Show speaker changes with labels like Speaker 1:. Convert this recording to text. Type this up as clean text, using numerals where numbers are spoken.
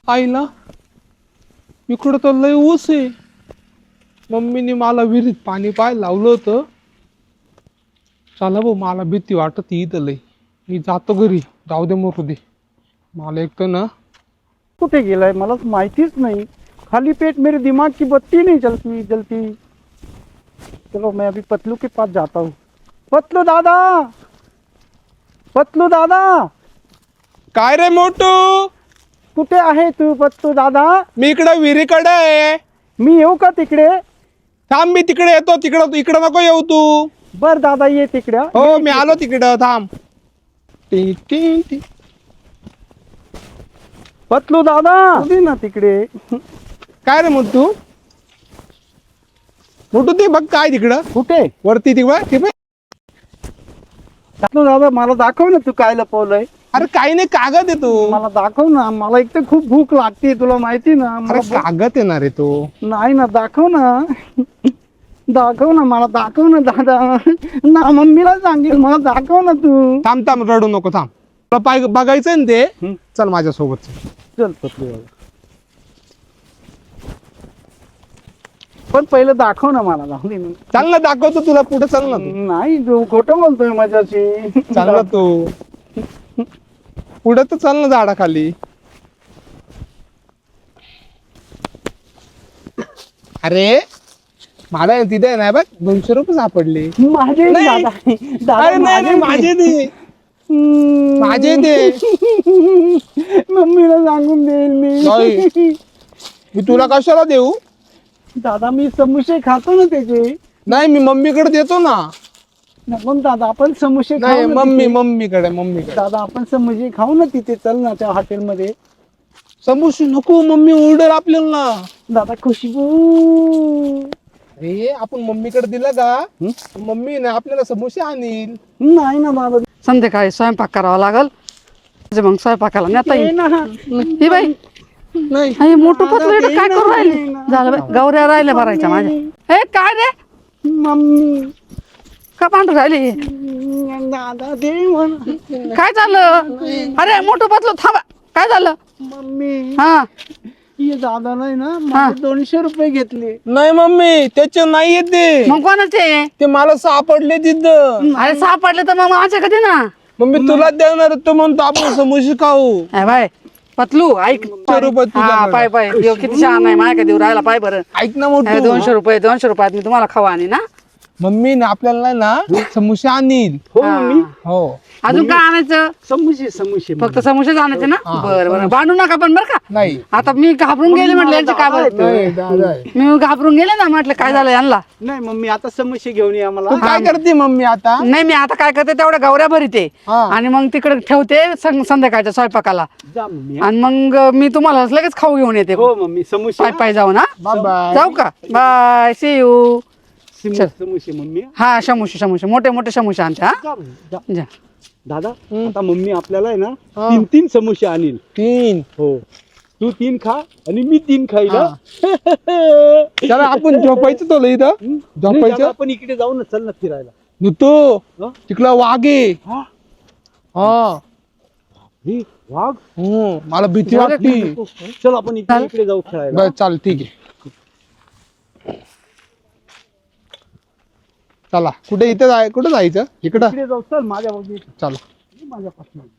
Speaker 1: आईला इकडं तर लय ऊस आहे. मम्मीने मला विहिरीत पाणी पाहायला लावलं होतं. चला भाऊ, मला भीती वाटत इथं लय. मी जातो घरी. जाऊ दे मरू दे. मला एक तर ना
Speaker 2: कुठे गेलाय मला माहितीच नाही. खाली पेट मेरे दिमाग की बत्ती नहीं जलती जलती. चलो मैं अभी पतलू के पास जाता हूँ. पतलू दादा, पतलू दादा,
Speaker 1: काय रे मोटू,
Speaker 2: कुठे आहे तू पतलू दादा?
Speaker 1: मी इकडं विहिरीकडे आहे.
Speaker 2: मी येऊ का तिकडे?
Speaker 1: थांब, मी तिकडे येतो. तिकडं इकडं नको येऊ तू.
Speaker 2: बर दादा ये तिकडे.
Speaker 1: हो, मी आलो तिकडं. थांब. T T T.
Speaker 2: पतलू दादा उभी ना तिकडे.
Speaker 1: काय रे मोटू, मोटू ते बघ काय तिकडं
Speaker 2: कुठे?
Speaker 1: वरती ते बघ.
Speaker 2: पतलू दादा मला दाखव ना तू काय लपवलंय.
Speaker 1: अरे काही नाही, कागद आहे तो.
Speaker 2: मला दाखव ना. मला एक तर खूप भूक लागते तुला माहिती ना.
Speaker 1: अरे
Speaker 2: मला
Speaker 1: कागद येणार आहे तो.
Speaker 2: नाही ना, दाखव ना. दाखव ना, मला दाखव ना दादा. ना मम्मीला सांगेल, मला दाखव ना तू.
Speaker 1: थांब थांब, रडू नको, थांब. तुला पाय बघायचंय ना ते.
Speaker 2: हं.
Speaker 1: चल माझ्या सोबत.
Speaker 2: चल पतलू दादा, पण पहिलं दाखव ना मला. जाऊ दे ना.
Speaker 1: चल ना, दाखवतो तुला. पुढे चल ना तू.
Speaker 2: नाही तू खोटं बोलतोय माझ्याशी.
Speaker 1: चल ना तू पुढे तर चल ना, झाडाखाली. अरे मला तिथे नाही बघ, 200 रुपये सापडले.
Speaker 2: माझे
Speaker 1: नाही.
Speaker 2: दादा, दादा
Speaker 1: अरे नाही नाही, माझे दे. माझे दे.
Speaker 2: मम्मीला सांगून देईल
Speaker 1: नाही.
Speaker 2: मी.
Speaker 1: मी तुला कशाला देऊ?
Speaker 2: दादा मी समोसे खातो ना त्याचे.
Speaker 1: नाही, मी मम्मीकडे देतो ना.
Speaker 2: नको ना दादा, आपण समोसे
Speaker 1: नाही,
Speaker 2: खाऊ ना
Speaker 1: मम्मीकडे
Speaker 2: तिथे. दादा आपण समोसे खाऊ ना तिथे. चल ना त्या हॉटेलमध्ये.
Speaker 1: समोसे नको, मम्मी ओरडर आपल्याला.
Speaker 2: दादा खुशबू.
Speaker 1: अरे आपण मम्मीकडे दिला का, मम्मी ना आपल्याला समोसे आणील.
Speaker 2: नाही ना दादा.
Speaker 3: संध्याकाळी स्वयंपाक करावा लागल. म्हणजे मग स्वयंपाकाला नेता
Speaker 2: ये
Speaker 3: येईल.
Speaker 2: ना.
Speaker 3: ही बाई,
Speaker 1: नाही
Speaker 3: हे मोठं पतलं इथं काय
Speaker 2: दे
Speaker 3: करू
Speaker 2: ना,
Speaker 3: राहिली?
Speaker 2: दे ना.
Speaker 3: झालं बाई, गौऱ्या राहिल्या भरायच्या माझ्या. हे काय रे,
Speaker 2: मम्मी.
Speaker 3: का पांढर राहिली?
Speaker 2: दादा दे म्हणा.
Speaker 3: काय झालं? अरे मोठं पतलं थांबा, काय झालं?
Speaker 2: मम्मी
Speaker 3: हा,
Speaker 2: ये दादा नाही ना, माझे 200 रुपये घेतले.
Speaker 1: नाही मम्मी, त्याचे नाही येते.
Speaker 3: मग कोणाचे?
Speaker 1: ते मला सापडले तिथं.
Speaker 3: अरे सापडले तर मग माझ्या कधी ना.
Speaker 1: मम्मी तुला देणार तो म्हणतो आपण समोसे खाऊ.
Speaker 3: ए बाय पतलू, ऐक.
Speaker 1: 200 रुपये
Speaker 3: हा
Speaker 1: तुझ्याकडे.
Speaker 3: पाय पाय, ह्यो किती छान आहे. माझ्या देऊ राहिला पाय बरं.
Speaker 1: ऐक ना मोठू,
Speaker 3: 200 रुपयात मी तुम्हाला खावा आणि ना.
Speaker 1: मम्मी ना आपल्याला ना समोसे आणील.
Speaker 2: हो मम्मी.
Speaker 1: हो.
Speaker 3: अजून काय आणायचं?
Speaker 2: समोसे समोसे
Speaker 3: फक्त समोसेच आणायचे ना.
Speaker 1: हा,
Speaker 3: बरं बरं, भांडू नका पण बरं का.
Speaker 1: नाही
Speaker 3: आता मी घाबरून गेले म्हटलं यांचे काय बरं.
Speaker 1: नाही, दादा आहे.
Speaker 3: मी घाबरून गेले ना, म्हटलं काय झालं यांना.
Speaker 2: नाही मम्मी, आता समोसे घेऊन ये आम्हाला.
Speaker 1: तू काय करते मम्मी आता?
Speaker 3: नाही मी आता काय करते, तेवढ्या गौऱ्या भरीते
Speaker 1: हा.
Speaker 3: आणि मग तिकडे ठेवते संध्याकाळच्या स्वयंपाकाला.
Speaker 2: जा मम्मी.
Speaker 3: आणि मग मी तुम्हाला लगेच खाऊ घेऊन येते.
Speaker 2: हो मम्मी, समोसे
Speaker 3: पाय पाय जाऊ ना.
Speaker 1: Bye bye.
Speaker 3: जाऊ का? Bye, see you.
Speaker 2: समोसे मम्मी.
Speaker 3: हा समोसे मोठे मोठे समोसे आणते. हा
Speaker 2: जा मम्मी, जा.
Speaker 3: जा.
Speaker 2: दादा आता मम्मी आपल्याला आहे ना
Speaker 1: हा.
Speaker 2: 3 समोसे आणील.
Speaker 1: 3.
Speaker 2: हो, तू 3 खा आणि मी 3 खाईल.
Speaker 1: हा. चला आपण झोपायचं तो इथं.
Speaker 2: नाही
Speaker 1: झोपायचं
Speaker 2: दादा, आपण इकडे जाऊ ना. चल ना फिरायला.
Speaker 1: नुतो
Speaker 2: हा?
Speaker 1: तिकडं वाघ आहे.
Speaker 2: हा?
Speaker 1: हा.
Speaker 2: हे, वाघ.
Speaker 1: मला भीती वाटती.
Speaker 2: चल आपण इकडे जाऊ खेळायला.
Speaker 1: बर चाल, ठीक आहे. चला कुठे, इथं कुठं जायचं? इकडं
Speaker 2: इकडे जाऊ. चल माझ्या बाजूला.
Speaker 1: चला.
Speaker 2: माझ्यापासून